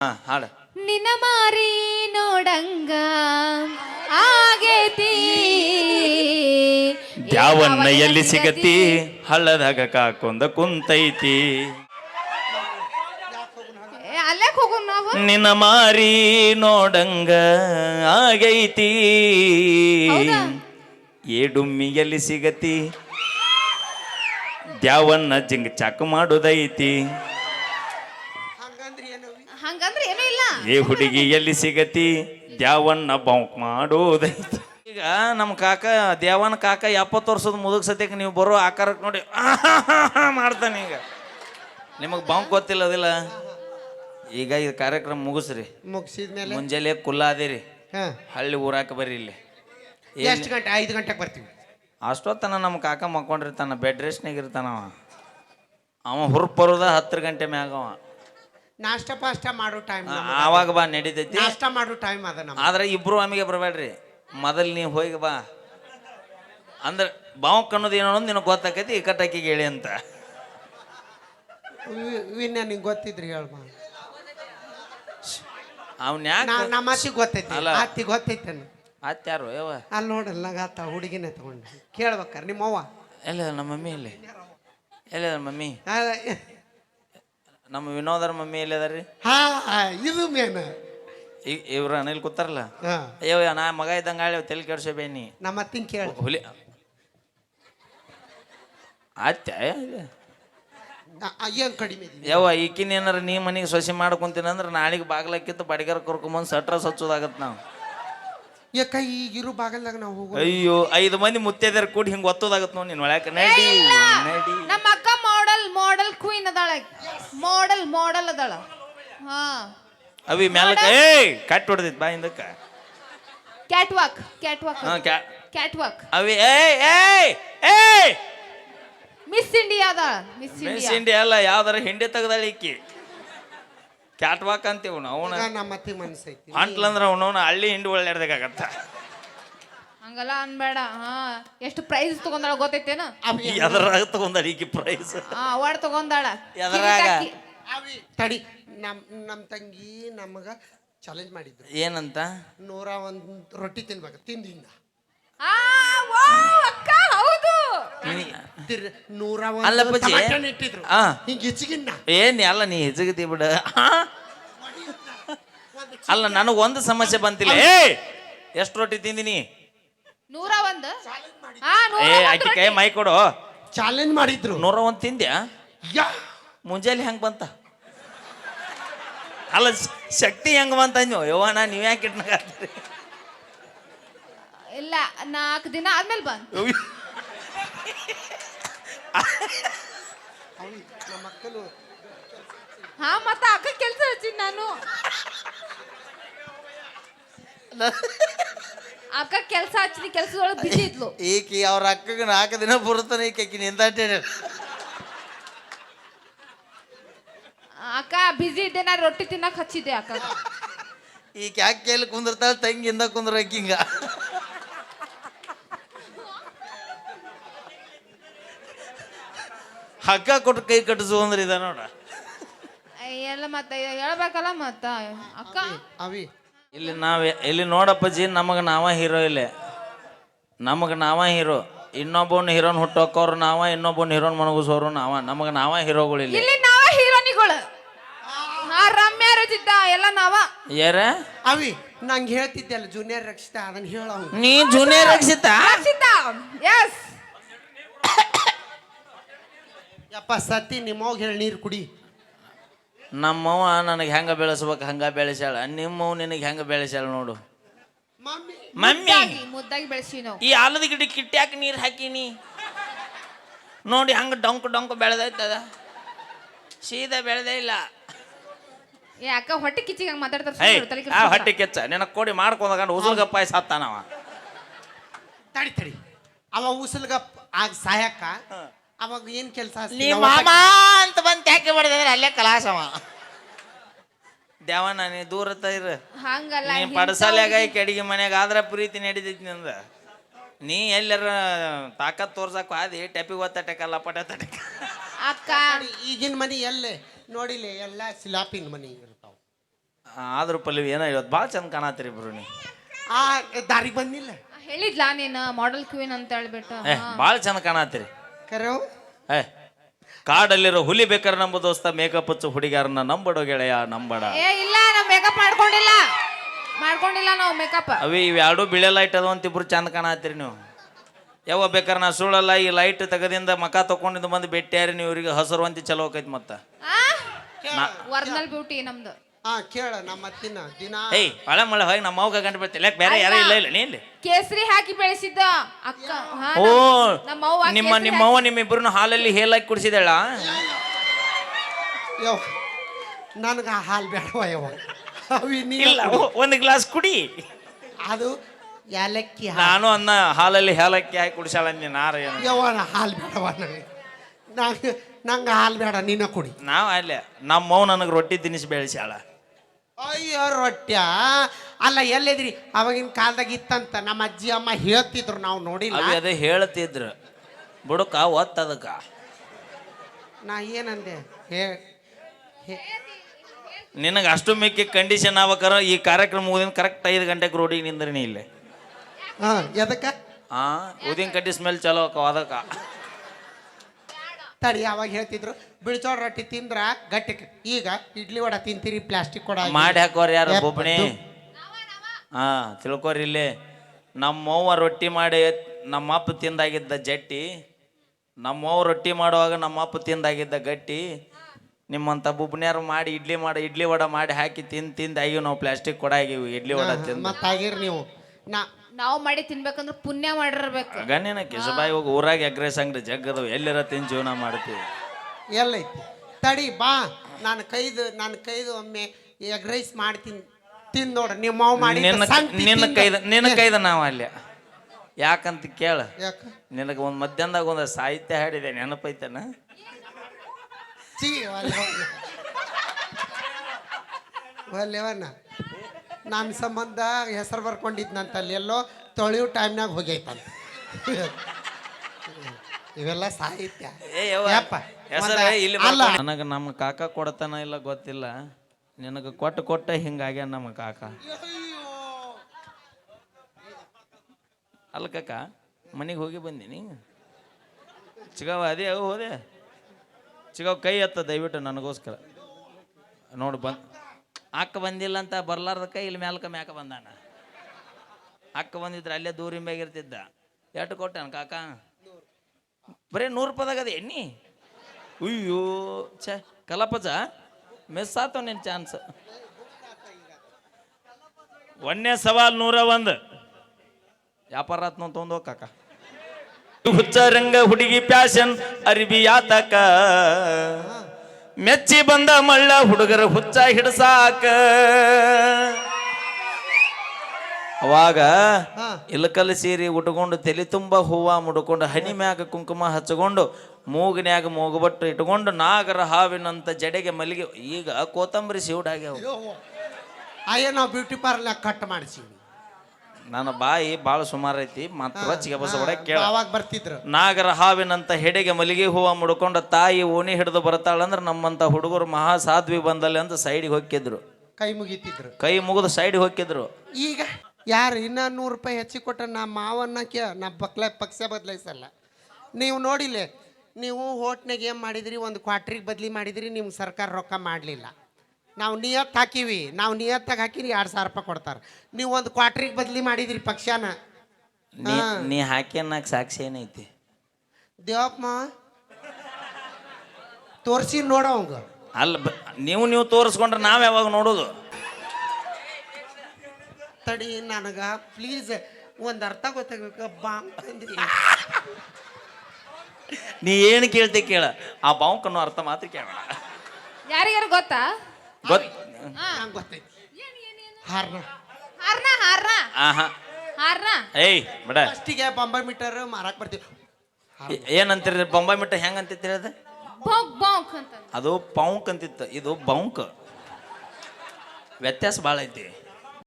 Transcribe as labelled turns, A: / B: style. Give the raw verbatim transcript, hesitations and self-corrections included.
A: ಹಾ ಹಾಡ
B: ನಿನ್ನ ಮಾರಿ ನೋಡಂಗ ಆಗೇತಿ
A: ದ್ಯಾವನ್ನ ಎಲ್ಲಿ ಸಿಗತಿ ಹಳ್ಳದಾಗ ಕಾಕೊಂದ ಕುಂತೈತಿ
B: ಅಲ್ಲೇ ಹೋಗು ನಾವು
A: ನಿನ್ನ ಮಾರಿ ನೋಡಂಗ ಆಗೈತಿ ಏಡುಮ್ಮಿ ಎಲ್ಲಿ ಸಿಗತಿ ದ್ಯಾವನ್ನ ಜಿಂಗ್ ಚಾಕ್ ಮಾಡೋದೈತಿ
B: ಹಂಗಂದ್ರೆ ಏನೂ ಇಲ್ಲ
A: ಏ ಹುಡುಗಿ ಎಲ್ಲಿ ಸಿಗತಿ ದ್ಯಾವನ್ನ ಬೌಂಕ್ ಮಾಡೋದೈತಿ ಈಗ ನಮ್ಮ ಕಾಕ ದೇವನ ಕಾಕ ಎಪ್ಪತ್ತು ವರ್ಷದ ಮುದುಕ್ ಸತ್ಯಕ್ಕೆ ನೀವು ಬರೋ ಆಕಾರಕ್ಕೆ ನೋಡಿ ಮಾಡ್ತಾನೆ ಈಗ ನಿಮಗೆ ಬಾಂಕ್ ಗೊತ್ತಿಲ್ಲದಿಲ್ಲ ಈಗ ಇದು ಕಾರ್ಯಕ್ರಮ ಮುಗಿಸ್ರಿ
C: ಮುಗಿಸಿದ್ಮೇಲೆ
A: ಮುಂಜಾನೆ ಕುಲ್ಲ ಅದೇರಿ ಹಳ್ಳಿ ಊರಾಕ ಬರ್ರಿ ಇಲ್ಲಿ
C: ಎಷ್ಟು ಗಂಟೆ ಐದು ಗಂಟೆಗೆ ಬರ್ತೀವಿ
A: ಅಷ್ಟೊತ್ತನ ನಮ್ಮ ಕಾಕ ಮಕ್ಕೊಂಡಿರ್ತಾನ ಬೆಡ್ ರೆಸ್ಟ್ನಾಗ ಇರ್ತಾನವ ಅವ ಹುರುಪ್ ಬರೋದ ಹತ್ತು ಗಂಟೆ ಮ್ಯಾಗ ಅವ
C: ನಾಷ್ಟ ಪಾಷ್ಟ ಮಾಡೋ ಟೈಮ್
A: ಆವಾಗ ಬಾ ನಡೀತೈತಿ
C: ನಾಷ್ಟ ಮಾಡೋ ಟೈಮ್ ಅದ ನಮ್ಮ
A: ಆದ್ರೆ ಇಬ್ರು ಆಮೇಲೆ ಬರಬೇಡ್ರಿ ಮೊದಲು ನೀವು ಹೋಗಿ ಬಾ ಅಂದ್ರೆ ಬಾವುಕ್ ಅನ್ನೋದು ಏನೋ ಅನ್ನೋದು ನಿನಗೆ ಗೊತ್ತಾಕೈತಿ ಈ ಕಟ್ಟಾಕಿಗೆ ಹೇಳಿ ಅಂತ
C: ವಿನ್ನ ನಿಂಗೆ ಗೊತ್ತಿದ್ರಿ ಹೇಳ್ಬಾ
A: ಅವ್ನ ಯಾಕೆ
C: ನಮ್ಮ ಅತ್ತಿಗೆ ಗೊತ್ತೈತಿ
A: ಅಲ್ಲ.
C: ಅತ್ತಿ ಗೊತ್ತೈತೆ
A: ಅತ್ಯಾರು ಯಾವ
C: ಅಲ್ಲಿ ನೋಡಲ್ಲ ಆತ ಹುಡುಗಿನೇ ತಗೊಂಡು ಕೇಳ್ಬೇಕಾರ ನಿಮ್ಮವ್ವ
A: ಎಲ್ಲ ನಮ್ಮ ಮಮ್ಮಿ ಇಲ್ಲಿ ಎಲ್ಲ ಮಮ್ಮಿ
C: ಆ,
A: ನಮ್ಮ ವಿನೋದರ ಮಮ್ಮಿ ಎಲ್ಲಿ ಅದಾರ್ರಿ
C: ಹಾ ಇದು ಮೇನ್
A: ಇವ್ರು ಅನಿಲ್ ಕೂತಾರಲ್ಲ
C: ಹಾ
A: ಅಯ್ಯೋ ನಾ ಮಗ ಇದ್ದಂಗೆ ಆಳಿ ತಲೆ ಕೆಡ್ಸೋಬೇನಿ
C: ನಮ್ಮ ಅತ್ತಿನ ಕೇಳಿ
A: ಹುಲಿ ಆತ್ಯ
C: ಏನು ಕಡಿಮೆ ಇದೀವಿ
A: ಯಾವ ಈಕಿನ ಏನಾರ ನೀ ಮನೆಗೆ ಸೊಸಿ ಮಾಡ್ಕೊಂತೀನಿ ಅಂದ್ರೆ ನಾಳೆಗೆ ಬಾಗ್ಲಕ್ಕಿತ್ತು ಬಡಿಗಾರ ಕರ್ಕೊಂಬಂದು ಸಟ್ರ ಸಚ್ಚೋದಾಗತ್ತೆ ನಾವು
C: ಯಾಕ ಈಗಿರು ಬಾಗಲ್ದಾಗ ನಾವು ಹೋಗೋ
A: ಅಯ್ಯೋ ಐದು ಮಂದಿ ಮುತ್ತೈದರ ಕೂಡಿ ಹಿಂಗೆ ಒತ್ತೋದಾಗತ್ತೆ ನೋಡಿ ನೀನು ಒಳಕ್ಕೆ ನಡಿ ನಡಿ
B: ನಮ್ಮ ಅಕ್ಕ ಮಾಡೆಲ್ ಮಾಡೆಲ್ ಕ್ವೀನ್ ಅದಾಳ ಮಾಡೆಲ್ ಮಾಡೆಲ್ ಅದಾಳ ಹಾ
A: ಅವಿ ಮ್ಯಾಲಕ್ಕೆ ಏಯ್ ಕಟ್ ಹೊಡೆದೈತಿ ಬಾ ಹಿಂದಕ್ಕೆ
B: ಕ್ಯಾಟ್ ವಾಕ್ ಕ್ಯಾಟ್ ವಾಕ್
A: ಹಾ ಕ್ಯಾ
B: ಕ್ಯಾಟ್ ವಾಕ್
A: ಅವಿ ಏಯ್ ಏಯ್ ಏಯ್
B: ಮಿಸ್ ಇಂಡಿಯಾ ಅದಾಳ ಮಿಸ್
A: ಮಿಸ್
B: ಇಂಡಿಯಾ
A: ಇಂಡಿಯಾ ಅಲ್ಲ ಯಾವ್ದಾರ ಹಿಂಡಿ ತೆಗ್ದಾಳ ಈಕಿ ಕ್ಯಾಟ್ ವಾಕ್ ಅಂತೀವಿ ನಾವು ಅವನ
C: ಈಗ ನಮ್ಮ ಅತ್ತಿ ಮನಸ್ಸೈತಿ
A: ಅಂಟ್ಲಂದ್ರೆ ಅವನವನ ಹಳ್ಳಿ ಹಿಂಡಿ ಒಳ್ಳೆಡ್ದಾಗತ್ತ
B: ಹಂಗಲ್ಲ ಅನ್ಬೇಡ ಹಾ ಎಷ್ಟು ಪ್ರೈಸ್ ತಗೊಂಡಾಳ ಗೊತ್ತೈತೇನ
A: ಎದರಾಗ ತಗೊಂಡಾಳ ಈಕಿ ಪ್ರೈಸ್
B: ಹಾ ಅವಾರ್ಡ್ ತಗೊಂಡಾಳ
A: ಎದರಾಗ
C: ಅವಿ ತಡಿ ನಮ್ ನಮ್ಮ ತಂಗಿ ನಮಗ ಚಾಲೆಂಜ್ ಮಾಡಿದ್ರು
A: ಏನಂತ
C: ನೂರ ಒಂದು ರೊಟ್ಟಿ ತಿನ್ಬೇಕು ತಿಂದಿಂದ
B: ಆ ವಾವ್ ಅಕ್ಕ ಹೌದು
C: ತಿರ್- ನೂರ
A: ಅಲ್ಲ
C: ಒಂದು
A: ಪಜ್ಜಿ.
C: ಟಮಾಟೆ ಹಣ್ಣ್ ಇಟ್ಟಿದ್ರು
A: ಆ.
C: ಹಿಂಗೆ ಹೆಚ್ಚಿಗಿನ್ನ
A: ಏನ್ ಎಲ್ಲ ನೀ ಹೆಜಗತಿ ಬಿಡ ಅಲ್ಲ ನನಗೆ ಒಂದು ಸಮಸ್ಯೆ ಬಂತಿಲ್ಲ ಏ ಎಷ್ಟು ರೊಟ್ಟಿ ತಿಂದಿನಿ
B: ನೂರ ಒಂದು ಹಾ ನೂರ
A: ಏ
B: ಒಂದು
A: ಆಕಿ ಕೈ
B: ರೊಟ್ಟಿ.
A: ಮೈ ಕೊಡು
C: ಚಾಲೆಂಜ್ ಮಾಡಿದ್ರು
A: ನೂರ ಒಂದು ತಿಂದ್ಯಾ
C: ಯಾ
A: ಮುಂಜಾನೆ ಹೆಂಗೆ ಬಂತ ಅಲ್ಲ ಶ- ಶಕ್ತಿ ಹೆಂಗೆ ಬಂತ ಅಂದ್ಯೋ ಯವ್ವ ನಾ ನೀವು ಯಾಕೆ ಇಟ್ನಾಗತ್ತೀರಿ
B: ಇಲ್ಲ ನಾಲ್ಕು ದಿನ ಆದ್ಮೇಲೆ ಬಂದ್
C: ಅವಿ ನಮ್ಮ ಅಕ್ಕನು
B: ಹಾ ಮತ್ತ ಅಕ್ಕ ಕೆಲ್ಸ ಹಚ್ಚಿದ್ ನಾನು ಅಕ್ಕ ಕೆಲ್ಸ ಹಚ್ಚಿದ ಕೆಲ್ಸದೊಳಗೆ ಬಿಸಿ ಇದ್ಲು
A: ಈಕಿ ಅವ್ರ ಅಕ್ಕಗೆ ನಾಲ್ಕು ದಿನ ಬರುತ್ತಾನೆ ಈಕೆ ಆಕಿ ನಿಂದಾಟೆ
B: ಅಕ್ಕ ಬಿಸಿ ಇದ್ದೆ ನಾ ರೊಟ್ಟಿ ತಿನ್ನಕ್ ಹಚ್ಚಿದ್ದೆ ಅಕ್ಕ
A: ಈಕೆ ಯಾಕೆ ಕೇಳಿ ಕುಂದಿರ್ತಾಳೆ ತಂಗಿಂದ ಕುಂದ್ರ ಹಿಂಗ ಹಗ್ಗ ಕೊಟ್ಟು ಕೈ ಕಟ್ಟಿಸು ಅಂದ್ರೆ ಇದ ನೋಡ
B: ಎಲ್ಲ ಮತ್ತೆ ಹೇಳ್ಬೇಕಲ್ಲ ಮತ್ತ ಅಕ್ಕ
C: ಅವಿ
A: ಇಲ್ಲಿ ನಾವ್ ಇಲ್ಲಿ ನೋಡಪ್ಪಾಜಿ ನಮಗೆ ನಾವ ಹೀರೋ ಇಲ್ಲೇ ನಮಗೆ ನಾವ ಹೀರೋ ಇನ್ನೊಬ್ಬನ ಹೀರೋನ್ ಹುಟ್ಟೋಕೋರು ನಾವ ಇನ್ನೊಬ್ಬನ ಹೀರೋನ್ ಮನಗಿಸೋರು ನಾವ ನಮಗೆ ನಾವ ಹೀರೋಗಳಿಲ್ಲ
B: ಇಲ್ಲಿ ನಾವ ಹೀರೋನಿಗಳು ಹಾ ರಮ್ಯಾ ರಚಿತ ಎಲ್ಲ ನಾವ
A: ಯಾರ
C: ಅವಿ ನಂಗೆ ಹೇಳ್ತಿದ್ದೆ ಅಲ್ಲ ಜೂನಿಯರ್ ರಕ್ಷಿತಾ ಅದನ್ನ ಹೇಳ
A: ನೀ ಜೂನಿಯರ್ ರಕ್ಷಿತ
B: ರಚಿತ ಎಸ್
C: ಯಪ್ಪ ಸತಿ ನಿಮ್ಮವ್ಗ ಹೇಳಿ ನೀರು ಕುಡಿ
A: ನಮ್ಮವ್ವ ನನಗೆ ಹೆಂಗ ಬೆಳೆಸ್ಬೇಕು ಹಂಗ ಬೆಳೆಸ್ಯಾಳ ನಿಮ್ಮವ್ ನಿನಗೆ ಹೆಂಗ ಬೆಳೆಸ್ಯಾಳ ನೋಡು
C: ಮಮ್ಮಿ
A: ಮಮ್ಮಿ
B: ಮುದ್ದಾಗಿ ಬೆಳೆಸಿ ನಾವು
A: ಈ ಆಲದ ಗಿಡ ಕಿಟ್ಟ್ಯಾಕ ನೀರು ಹಾಕಿನಿ ನೋಡಿ ಹಂಗ ಡೊಂಕ್ ಡೊಂಕ್ ಬೆಳೆದೈತದ ಸೀದಾ ಬೆಳೆದೇ ಇಲ್ಲ
B: ಏ ಅಕ್ಕ ಹೊಟ್ಟೆ ಕಿಚ್ಚಿಗೆ ಹಂಗ ಮಾತಾಡ್ತಾರ
A: ಏಯ್
B: ಸುಮ್ನಿರು, ತಲೆ
A: ಆ
B: ಕೆಡ್ಸ್ಕೊಬೇಡ.
A: ಹೊಟ್ಟೆ ಕೆಚ್ಚ ನಿನಗೆ ಕೊಡಿ ಮಾಡ್ಕೊಂಡಾಗ ಉಸುಲ್ಗ ಪಾಯಸ ಹತ್ತಾನವ
C: ತಡಿ ತಡಿ ಅವ ಉಸಲ್ಗ ಆಗ ಸಾಯಕ್ಕ ಅವಾಗ ಏನ್ ಕೆಲಸ
A: ನೀ ಮಾಮ ಅಂತ ಬಂದು ಯಾಕೆ ಮಾಡಿದ್ರೆ ಅಲ್ಲೇ ಕಲಾಸವ ದೇವಣ್ಣ ನೀ ದೂರ ಇರು
B: ಹಂಗಲ್ಲ
A: ನೀ
B: ಇಂಥವ್
A: ಪಡಸಾಲ್ಯಾಗ ಈಕಿ ಅಡಿಗೆ ಮನ್ಯಾಗ ಆದ್ರ ಪ್ರೀತಿ ನಡೀತೈತಿ ನಿಂದ ನೀ ಎಲ್ಲರ ತಾಕತ್ ತೋರ್ಸಕ್ ಆದಿ ಟೆಪಿಗೆ ಒತ್ತಟಕಲ್ಲ ಪಟ ತಟಕ
B: ಅಕ್ಕ
C: ಈಗಿನ ಮನಿ ಎಲ್ಲೇ ನೋಡಿಲ್ಲ ಎಲ್ಲ ಸಿಲಾಪಿನ ಮನಿ ಇರ್ತಾವ
A: ಆದ್ರೂ ಪಲ್ಲವಿ ಏನೋ ಇವತ್ತು ಭಾಳ ಚಂದ ಕಾಣತ್ತೀರಿ ಇಬ್ರು ನೀ
C: ಆ ದಾರಿಗೆ ಬಂದಿಲ್ಲ
B: ಹೇಳಿದ್ಲಾ ನೀನು ಮಾಡೆಲ್ ಕ್ವೀನ್ ಅಂತ ಹೇಳ್ಬಿಟ್ಟು
A: ಏ ಭಾಳ ಚಂದ ಕಾಣತ್ತೀರಿ
C: ಕರೆವು
A: ಏ ಕಾಡಲ್ಲಿರೋ ಹುಲಿ ಬೇಕಾರೆ ನಂಬು ದೋಸ್ತ ಮೇಕಪ್ ಹಚ್ಚು ಹುಡುಗಿಯಾರನ್ನ ನಂಬಡೋ ಗೆಳೆಯ ನಂಬಡ
B: ಏ ಇಲ್ಲ ನಾವು ಮೇಕಪ್ ಮಾಡ್ಕೊಂಡಿಲ್ಲ ಮಾಡ್ಕೊಂಡಿಲ್ಲ ನಾವು ಮೇಕಪ್
A: ಅವಿ ಇವ್ ಎರಡು ಬಿಳೆ ಲೈಟ್ ಅದ ಅಂತ ಇಬ್ರು ಚಂದ ಕಾಣತ್ತೀರಿ ನೀವು ಯಾವ ಬೇಕಾರೆ ನಾ ಸುಳ್ಳಲ್ಲ ಈ ಲೈಟ್ ತೆಗದಿಂದ ಮಕ ತಕೊಂಡಿದ್ದು ಬಂದು ಭೇಟಿಯಾರಿ ನೀವು ಇವ್ರಿಗೆ ಹಸರುವಂತಿ ಚಲೋ ಹೋಗೈತಿ ಮತ್ತ
B: ಒರಿಜಿನಲ್ ಬ್ಯೂಟಿ ನಮ್ದು
C: ಹಾ ಕೇಳ ನಮ್ಮ ಅತ್ತಿನ ದಿನ
A: ಏಯ್ ಒಳ ಮಳೆ ಹೋಗಿ ನಮ್ಮ ಅವ್ಗ ಗಂಟು ಬೀಳ್ತಿಲ್ಲ ಯಾಕೆ ಬೇರೆ ಯಾರು ಇಲ್ಲ ಇಲ್ಲ ನೀ ಇಲ್ಲಿ
B: ಕೇಸರಿ ಹಾಕಿ ಬೆಳೆಸಿದ್ದ ಅಕ್ಕ ಹಾ,
A: ಓ
B: ನಮ್- ನಮ್ಮ ಅವ್ವ
A: ನಿಮ್ಮ
B: ಕೇಸರಿ
A: ನಿಮ್ಮವ್ವ ನಿಮ್ಮಿಬ್ರು ಹಾಲಲ್ಲಿ ಹೇಲಾಕಿ ಕುಡಿಸಿದಳ
C: ಯವ್ ನನಗೆ ಆ ಹಾಲು ಬೇಡವ ಯವ ಅವಿ ನೀ
A: ಇಲ್ಲ ಓ- ಒಂದು ಗ್ಲಾಸ್ ಕುಡಿ
C: ಅದು ಏಲಕ್ಕಿ ಹಾಲು
A: ನಾನು ಅನ್ನ ಹಾಲಲ್ಲಿ ಹೇಲಕ್ಕಿ ಹಾಕಿ ಕುಡಿಸಾಳ ನಾರ ಏನು
C: ಯವ್ವ ಹಾಲು ಬೇಡವ ನನಗೆ ನಂಗೆ ನಂಗೆ ಹಾಲು ಬೇಡ ನೀನ ಕುಡಿ
A: ನಾವು ಅಲ್ಲೇ ನಮ್ಮವ್ ನನಗೆ ರೊಟ್ಟಿ ತಿನ್ನಿಸಿ ಬೆಳೆಸ್ಯಾಳ
C: ಅಯ್ಯೋ ರೊಟ್ಟ್ಯ ಅಲ್ಲ ಎಲ್ಲಿದ್ರಿ ಅವಾಗಿನ ಕಾಲದಾಗ ಇತ್ತಂತ ನಮ್ಮ ಅಜ್ಜಿ ಅಮ್ಮ ಹೇಳ್ತಿದ್ರು ನಾವು ನೋಡಿಲ್ಲ
A: ಅವಿ ಅದೇ ಹೇಳ್ತಿದ್ರು ಬುಡಕ ಒತ್ತದಕ್ಕ
C: ನಾ ಏನಂದೆ ಹೇ ಹೇ-
A: ನಿನಗೆ ಅಷ್ಟು ಮಿಕ್ಕಿ ಕಂಡೀಷನ್ ಆಗ್ಬೇಕಾರ ಈ ಕಾರ್ಯಕ್ರಮ ಮುಗಿದಿನ ಕರೆಕ್ಟ್ ಐದು ಗಂಟೆಗೆ ರೋಡಿಗೆ ನಿಂದ್ರಿ ಇಲ್ಲಿ
C: ಹಾ ಎದಕ್ಕ
A: ಹಾ ಉದಿನ ಕಡ್ಡಿ ಸ್ಮೆಲ್ ಚಲೋ ಅಕ್ಕ ಅದಕ್ಕ
C: ತಡಿ ಅವಾಗ ಹೇಳ್ತಿದ್ರು ಬಿಳಿಚೋಳ ರೊಟ್ಟಿ ತಿಂದ್ರ ಗಟ್ಟಿ ಈಗ ಇಡ್ಲಿ ವಡ ತಿಂತೀರಿ ಪ್ಲಾಸ್ಟಿಕ್ ಕೊಡ
A: ಮಾಡಿ ಹಾಕೋರಿ ಯಾರು
C: ಯಪ್ಪ,
A: ಬೊಬ್ಬಣಿ
C: ದು.
A: ಹಾ ತಿಳ್ಕೊರಿ ಇಲ್ಲಿ ನಮ್ಮವ್ವ ರೊಟ್ಟಿ ಮಾಡಿ ನಮ್ಮಪ್ಪ ತಿಂದಾಗಿದ್ದ ಜಟ್ಟಿ ನಮ್ಮವ್ವ ರೊಟ್ಟಿ ಮಾಡುವಾಗ ನಮ್ಮಪ್ಪ ತಿಂದಾಗಿದ್ದ ಗಟ್ಟಿ ನಿಮ್ಮಂತ ಬುಬ್ನ್ಯಾರು ಮಾಡಿ ಇಡ್ಲಿ ಮಾಡಿ ಇಡ್ಲಿ ವಡ ಮಾಡಿ ಹಾಕಿ ತಿಂದು ತಿಂದು ಆಗಿವಿ ನಾವು ಪ್ಲಾಸ್ಟಿಕ್ ಕೊಡ ಆಗಿವಿ ಇಡ್ಲಿ ವಡ ತಿಂದು
C: ಮತ್ತ ಆಗಿರ್ ನೀವು ನಾ
B: ನಾವು ಮಾಡಿ ತಿನ್ಬೇಕಂದ್ರೆ ಪುಣ್ಯ ಮಾಡಿರ್ಬೇಕು
A: ಗಣ್ಯನ ಕಿಸಬಾಯಿ ಹೋಗಿ ಊರಾಗ ಎಗ್ರೆಸ್ ಅಂಗಡಿ ಜಗ್ಗದವು ಎಲ್ಲರ ತಿಂದು ಜೀವನ ಮಾಡ್ತೀವಿ
C: ಎಲ್ಲೈತಿ ತಡಿ ಬಾ ನಾನು ಕೈದು ನಾನು ಕೈದು ಒಮ್ಮೆ ಎಗ್ ರೈಸ್ ಮಾಡ್ತೀನಿ ತಿಂದು ನೋಡ ನಿಮ್ಮ ಮಾವು ಮಾಡಿ
A: ನಿನ್ನ ನಿನ್ನ ಕೈದ ನಿನ್ನ ಕೈದ ನಾವು ಅಲ್ಲಿ ಯಾಕಂತ ಕೇಳ
C: ಯಾಕ
A: ನಿನಗೆ ಒಂದು ಮಧ್ಯಾಹ್ನದಾಗ ಒಂದು ಸಾಹಿತ್ಯ ಹಾಡಿದೆ ನೆನಪೈತನ
C: ಚೀ ಒಲ್ಲೆವನ್ನ ನನ್ನ ಸಂಬಂಧ ಹೆಸರು ಬರ್ಕೊಂಡಿದ್ನಂತ ಅಲ್ಲಿ ಎಲ್ಲೋ ತೊಳೆಯೋ ಟೈಮ್ನಾಗ ಹೋಗೈತಂತ ಇವೆಲ್ಲ ಸಾಹಿತ್ಯ
A: ಏ ಯವ್ವ,
C: ಯಪ್ಪ,
A: ಹೆಸರು
C: ಒಂದ-
A: ಇಲ್ಲಿ
C: ಅಲ್ಲ.
A: ನನಗೆ ನಮ್ಮ ಕಾಕ ಕೊಡತನ ಇಲ್ಲ ಗೊತ್ತಿಲ್ಲ ನಿನಗೆ ಕೊಟ್ಟು ಕೊಟ್ಟ ಹಿಂಗಾಗ್ಯ ನಮ್ಮ ಕಾಕ ಅಲ್ಲ ಕಾಕ ಮನೆಗೆ ಹೋಗಿ ಬಂದೀನಿ ಚಿಗವ ಅದೇ ಅವು ಹೋದೆ ಚಿಗವ್ ಕೈ ಎತ್ತ ದಯವಿಟ್ಟು ನನಗೋಸ್ಕರ ನೋಡು ಬಂದ್ ಅಕ್ಕ ಬಂದಿಲ್ಲ ಅಂತ ಬರ್ಲಾರ್ದ ಕೈ ಇಲ್ಲಿ ಮ್ಯಾಲ್ಕ ಮ್ಯಾಕ ಬಂದಾನ ಅಕ್ಕ ಬಂದಿದ್ರೆ ಅಲ್ಲೇ ದೂರಿನ ಮ್ಯಾಗಿರ್ತಿದ್ದ ಎಷ್ಟು ಕೊಟ್ಟಾನ ಕಾಕ ಬರೀ ನೂರು ರೂಪಾಯಿದಾಗ ಅದೇ ಎಣ್ಣಿ ಅಯ್ಯೋ ಛೇ ಕಲಪಜ ಮಿಸ್ ಆತವ ನಿನ್ನ ಚಾನ್ಸ್ ಒಂದೇ ಸವಾಲ್ ನೂರ ಒಂದು ವ್ಯಾಪಾರ ಆತ್ನ ತೊಗೊಂಡು ಹೋಗ್ ಕಾಕ ಹುಚ್ಚ ರಂಗ ಹುಡುಗಿ ಪ್ಯಾಶನ್ ಅರಿಬಿ ಆತಕ ಮೆಚ್ಚಿ ಬಂದ ಮಳ್ಳ ಹುಡುಗರ ಹುಚ್ಚ ಹಿಡ್ಸಾಕ ಅವಾಗ
C: ಹಾ.
A: ಇಲಕಲ್ ಸೀರೆ ಉಟ್ಕೊಂಡು ತಲೆ ತುಂಬ ಹೂವ ಮುಡ್ಕೊಂಡು ಹನಿ ಮ್ಯಾಗ ಕುಂಕುಮ ಹಚ್ಕೊಂಡು ಮೂಗಿನ್ಯಾಗ ಮೂಗುಬಟ್ಟು ಇಟ್ಕೊಂಡು ನಾಗರ ಹಾವಿನಂತ ಜಡೆಗೆ ಮಲ್ಲಿಗೆ ಈಗ ಕೋತಂಬರಿ ಸಿವುಡಾಗ್ಯಾವ
C: ಅಯ್ಯ ನಾವು ಬ್ಯೂಟಿ ಪಾರ್ಲರ್ ಕಟ್ ಮಾಡಿಸಿ
A: ನನ್ನ ಬಾಯಿ ಭಾಳ ಸುಮಾರು ಐತಿ ಮಾತ್ರ ಚಿಗ ಬಸ ಹೊಡಕ್ ಕೇಳ
C: ಅವಾಗ ಬರ್ತಿದ್ರು
A: ನಾಗರ ಹಾವಿನಂತ ಹೆಡೆಗೆ ಮಲ್ಲಿಗೆ ಹೂವ ಮುಡ್ಕೊಂಡು ತಾಯಿ ಓಣಿ ಹಿಡಿದು ಬರ್ತಾಳಂದ್ರೆ ನಮ್ಮಂತ ಹುಡುಗರು ಮಹಾ ಸಾಧ್ವಿ ಬಂದಲ್ಲಿ ಅಂತ ಸೈಡಿಗೆ ಹೊಕ್ಕಿದ್ರು
C: ಕೈ ಮುಗಿತಿದ್ರು
A: ಕೈ ಮುಗಿದು ಸೈಡಿಗೆ ಹೊಕ್ಕಿದ್ರು
C: ಈಗ ಯಾರು ಇನ್ನ ನೂರು ರೂಪಾಯಿ ಹೆಚ್ಚಿಗೆ ಕೊಟ್ಟ ನಾ ಮಾವನ್ನ ಕೇ ನಾ ಬಕ್ಲ ಪಕ್ಷ ಬದಲಾಯಿಸಲ್ಲ ನೀವು ನೋಡಿಲ್ಲ ನೀವು ಹೋಟ್ನಾಗ ಏನು ಮಾಡಿದ್ರಿ ಒಂದು ಕ್ವಾಟ್ರಿಗೆ ಬದಲಿ ಮಾಡಿದ್ರಿ ನಿಮ್ಗೆ ಸರ್ಕಾರ ರೊಕ್ಕ ಮಾಡಲಿಲ್ಲ ನಾವು ನಿಯತ್ ಹಾಕಿವಿ ನಾವು ನಿಯತ್ತಾಗ ಹಾಕಿರಿ ಎರಡು ಸಾವಿರ ರೂಪಾಯಿ ಕೊಡ್ತಾರೆ ನೀವು ಒಂದು ಕ್ವಾಟ್ರಿಗೆ ಬದಲಿ ಮಾಡಿದ್ರಿ ಪಕ್ಷನ
A: ನೀ ನೀ ಹಾಕಿ ಅನ್ನಕ್ ಸಾಕ್ಷಿ ಏನೈತಿ
C: ದೇವಪ್ಪ ಮಾವ ತೋರಿಸಿ ನೋಡೋ ಅವಂಗ
A: ಅಲ್ಲ ಬ- ನೀವು ನೀವು ತೋರಿಸ್ಕೊಂಡ್ರೆ ನಾವ್ ಯಾವಾಗ ನೋಡೋದು
C: ತಡಿ ನನಗೆ ಪ್ಲೀಸ್ ಒಂದು ಅರ್ಥ ಗೊತ್ತಾಗಬೇಕು ಬಾ ಅಂದ್ರಿ
A: ನೀ ಏನು ಕೇಳ್ತಿ ಕೇಳ ಆ ಬಾವುಕನ್ನು ಅರ್ಥ ಮಾತ್ರ ಕೇಳೋಣ
B: ಯಾರಿಗಾರು ಗೊತ್ತಾ
A: ಗೊತ್ತ
C: ನಂಗೆ ಗೊತ್ತೈತಿ ಹಾರ್ನ
B: ಹಾರ್ನ ಹಾರ್ನ
A: ಆಹಾ
B: ಹಾರ್ನ
A: ಏಯ್ ಬಿಡ
C: ಫಸ್ಟಿಗೆ ಬೊಂಬೈ ಮೀಟರ್ ಮಾರಕ್ಕೆ ಬರ್ತೀವಿ
A: ಏ- ಏನಂತೀರಿ ಬೊಂಬೈ ಮಿಟ್ಟ ಹೆಂಗ್ ಅಂತಿತ್ತೀರಿ ಅದು
B: ಬೌಂಕ್ ಬೌಂಕ್ ಅಂತ
A: ಅದು ಪೌಂಕ್ ಅಂತಿತ್ತು ಇದು ಬೌಂಕ್ ವ್ಯತ್ಯಾಸ ಭಾಳ ಐತಿ